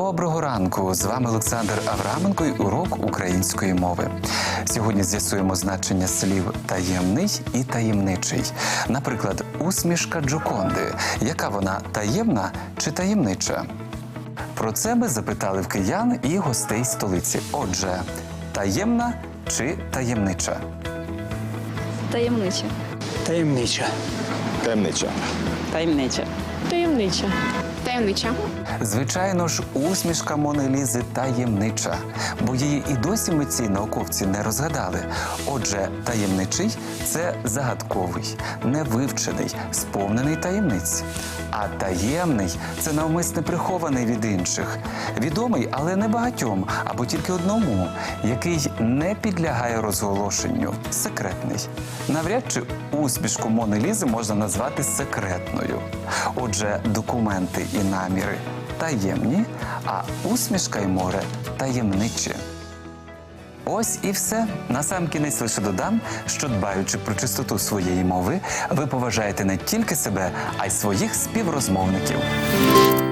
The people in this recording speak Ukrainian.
Доброго ранку! З вами Олександр Авраменко і урок української мови. Сьогодні з'ясуємо значення слів «таємний» і «таємничий». Наприклад, усмішка Джоконди. Яка вона – таємна чи таємнича? Про це ми запитали в киян і гостей столиці. Отже, таємна чи таємнича? Таємнича. Таємнича. Таємнича. Таємнича. Таємнича. Таємнича. Звичайно ж, усмішка Мони Лізи таємнича, бо її і досі митці й науковці не розгадали. Отже, таємничий – це загадковий, невивчений, сповнений таємниць. А таємний – це навмисне прихований від інших, відомий, але не багатьом, або тільки одному, який не підлягає розголошенню, секретний. Навряд чи усмішку Мони Лізи можна назвати секретною. Отже, документи і наміри таємні, а усмішка й море таємничі. Ось і все. Насамкінець лише додам, що дбаючи про чистоту своєї мови, ви поважаєте не тільки себе, а й своїх співрозмовників.